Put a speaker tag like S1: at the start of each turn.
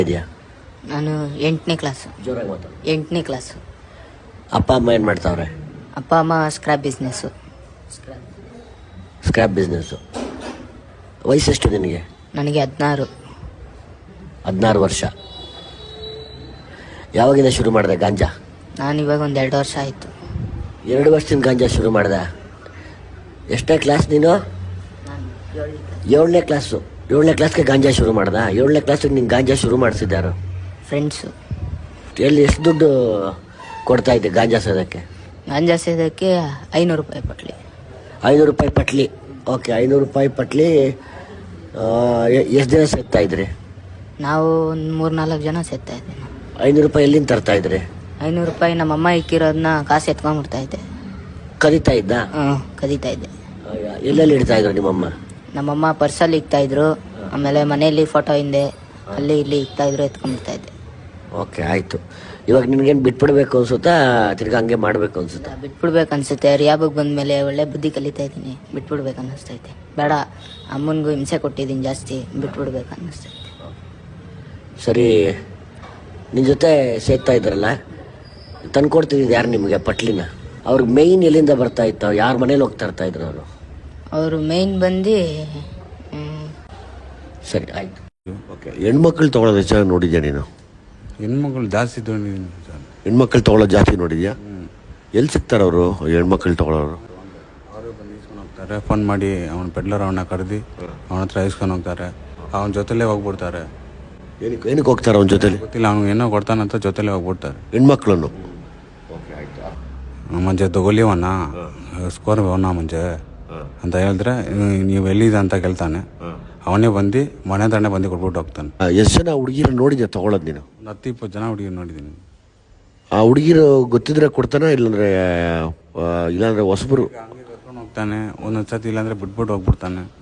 S1: ಇದೆಯಾ?
S2: ನಾನು 8ನೇ ಕ್ಲಾಸು.
S1: ಜೋರಾಗಿ ಮಾತಾಡು.
S2: 8ನೇ ಕ್ಲಾಸು.
S1: ಅಪ್ಪ ಅಮ್ಮ ಏನು ಮಾಡ್ತಾವ್ರೆ?
S2: ಅಪ್ಪ ಅಮ್ಮ ಸ್ಕ್ರಾಪ್ ಬಿಸ್ನೆಸ್ಸು.
S1: Scrap business. ವಯಸ್ಸೆಷ್ಟು ನಿನಗೆ?
S2: ನನಗೆ 16.
S1: 16 ವರ್ಷ. ಯಾವಾಗಿಂದ ಶುರು ಮಾಡಿದೆ ಗಾಂಜಾ?
S2: ನಾನು ಇವಾಗ ಒಂದು 2 ವರ್ಷ ಆಯಿತು.
S1: 2 ವರ್ಷದಿಂದ ಗಾಂಜಾ ಶುರು ಮಾಡಿದೆ. ಎಷ್ಟನೇ ಕ್ಲಾಸ್ ನೀನು? 7ನೇ ಕ್ಲಾಸು. 7ನೇ ಕ್ಲಾಸ್ಗೆ ಗಾಂಜಾ ಶುರು ಮಾಡ್ದ? 7ನೇ ಕ್ಲಾಸಿಗೆ ನೀನು ಗಾಂಜಾ ಶುರು ಮಾಡಿಸಿದ್ದಾರು?
S2: ಫ್ರೆಂಡ್ಸು.
S1: ಎಲ್ಲಿ ಎಷ್ಟು ದುಡ್ಡು ಕೊಡ್ತಾ ಇದ್ದೆ ಗಾಂಜಾ ಸೇದಕ್ಕೆ?
S2: ಗಾಂಜಾ ಸೇದಕ್ಕೆ 500 ರೂಪಾಯಿ ಪಟ್ಲಿ.
S1: 500 ರೂಪಾಯಿ ಪಟ್ಲಿ. ಓಕೆ, 500 ರೂಪಾಯಿ ಪಟ್ಲಿ. ಎಷ್ಟು ದಿನ ಸೇರ್ತಾ ಇದ್ರಿ?
S2: ನಾವು ಒಂದು 3-4 ಜನ ಸೇರ್ತಾ ಇದ್ದೆ.
S1: 500 ರೂಪಾಯಿ ಎಲ್ಲಿಂದ ತರ್ತಾ ಇದ್ರಿ?
S2: 500 ರೂಪಾಯಿ ನಮ್ಮಮ್ಮ ಇಕ್ಕಿರೋದನ್ನ ಕಾಸು ಎತ್ಕೊಂಡ್ಬಿಡ್ತಾ ಇದ್ದೆ.
S1: ಕದೀತಾ ಇದ್ದ?
S2: ಕದೀತಾ ಇದ್ದೆ.
S1: ಎಲ್ಲೆಲ್ಲಿ ಇಡ್ತಾ ಇದ್ರು ನಿಮ್ಮಮ್ಮ?
S2: ನಮ್ಮಮ್ಮ ಪರ್ಸಲ್ಲಿ ಇಕ್ತಾ ಇದ್ರು, ಆಮೇಲೆ ಮನೆಯಲ್ಲಿ ಫೋಟೋ ಹಿಂದೆ ಅಲ್ಲಿ ಇಲ್ಲಿ ಇಕ್ತಾ ಇದ್ರು, ಎತ್ಕೊಂಡ್ಬಿಡ್ತಾ ಇದ್ದೆ.
S1: ಓಕೆ, ಆಯಿತು. ಇವಾಗ ನಿನ್ಗೇನು ಬಿಟ್ಬಿಡ್ಬೇಕು ಅನ್ಸುತ್ತಾ, ತಿರ್ಗಿ ಹಂಗೆ ಮಾಡಬೇಕು ಅನ್ಸುತ್ತಾ?
S2: ಬಿಟ್ಬಿಡ್ಬೇಕು ಅನ್ಸುತ್ತೆ. ರಿಯಾಬಗ್ ಬಂದಮೇಲೆ ಒಳ್ಳೆ ಬುದ್ಧಿ ಕಲಿತಾ ಇದ್ದೀನಿ. ಬಿಟ್ಬಿಡ್ಬೇಕು ಅನ್ನಿಸ್ತೈತೆ. ಬೇಡ, ಅಮ್ಮನಿಗೂ ಹಿಂಸೆ ಕೊಟ್ಟಿದ್ದೀನಿ ಜಾಸ್ತಿ, ಬಿಟ್ಬಿಡ್ಬೇಕು ಅನ್ನಿಸ್ತೈತೆ.
S1: ಸರಿ, ನಿನ್ನ ಜೊತೆ ಸೇರ್ತಾ ಇದ್ರಲ್ಲ, ತಂದ್ಕೊಡ್ತಿದ್ದು ಯಾರು ನಿಮಗೆ ಪಟ್ಲಿನ? ಅವ್ರಿಗೆ ಮೇಯ್ನ್ ಎಲ್ಲಿಂದ ಬರ್ತಾ ಇತ್ತು? ಯಾರ ಮನೇಲಿ ಹೋಗ್ತಾ ಇರ್ತಾ ಇದ್ರು ಅವರು?
S2: ಅವರು ಮೇಯ್ನ್ ಬಂದು
S1: ಸರಿ, ಆಯಿತು. ಓಕೆ, ಹೆಣ್ಮಕ್ಳು ತೊಗೊಳೋದು ಹೆಚ್ಚಾಗಿ ನೋಡಿದ್ಯಾ ನೀನು?
S3: ಹೆಣ್ಮಕ್ಳು ಜಾಸ್ತಿ ತೊಗೊಂಡಿದ್ದೀನಿ ಸರ್.
S1: ಹೆಣ್ಮಕ್ಳು ತೊಗೊಳೋದು ಜಾಸ್ತಿ ನೋಡಿದ್ಯಾ? ಎಲ್ಲಿ ಸಿಗ್ತಾರೆ ಅವರು ಹೆಣ್ಮಕ್ಳು ತೊಗೊಳೋರು?
S3: ಅವರು ಬಂದು ಇಸ್ಕೊಂಡು ಹೋಗ್ತಾರೆ. ಫೋನ್ ಮಾಡಿ ಅವನ ಪೆಡ್ಲರ್ ಅವನ್ನ ಕರೆದು ಅವನ ಹತ್ರ ಇಸ್ಕೊಂಡು ಹೋಗ್ತಾರೆ. ಅವನ ಜೊತೆಲೇ ಹೋಗ್ಬಿಡ್ತಾರೆ.
S1: ಏನಕ್ಕೆ ಹೋಗ್ತಾರೆ ಅವನ ಜೊತೆಲಿ?
S3: ಗೊತ್ತಿಲ್ಲ, ಅವ್ನು ಏನೋ ಕೊಡ್ತಾನಂತ ಜೊತೆಲೇ ಹೋಗ್ಬಿಡ್ತಾರೆ
S1: ಹೆಣ್ಮಕ್ಳನ್ನು.
S3: ಮುಂಚೆ ತಗೊಲಿವಣ್ಣ ಸ್ಕೋರ್ ಅವನ ಮುಂಚೆ ಅಂತ ಹೇಳಿದ್ರೆ, ನೀವು ಎಲ್ಲಿದೆ ಅಂತ ಕೇಳ್ತಾನೆ. ಅವನೇ ಬಂದು ಮನೆ ತಾನೆ ಬಂದು ಕೊಟ್ಬಿಟ್ಟು ಹೋಗ್ತಾನೆ.
S1: ಎಷ್ಟು ಜನ ಹುಡುಗಿರು ನೋಡಿದ್ಯಾ ತೊಗೊಳೋದು ನೀನು?
S3: ಒಂದು 10-20 ಜನ ಹುಡುಗಿ ನೋಡಿದ್ದೀನಿ.
S1: ಆ ಹುಡುಗಿರು ಗೊತ್ತಿದ್ರೆ ಕೊಡ್ತಾನ, ಇಲ್ಲಾಂದ್ರೆ ಹೊಸಬರು
S3: ಹಂಗೆ ಕರ್ಕೊಂಡು ಹೋಗ್ತಾನೆ. ಒಂದೊಂದು ಸತಿ ಇಲ್ಲಾಂದ್ರೆ ಬಿಟ್ಬಿಟ್ಟು ಹೋಗ್ಬಿಡ್ತಾನೆ.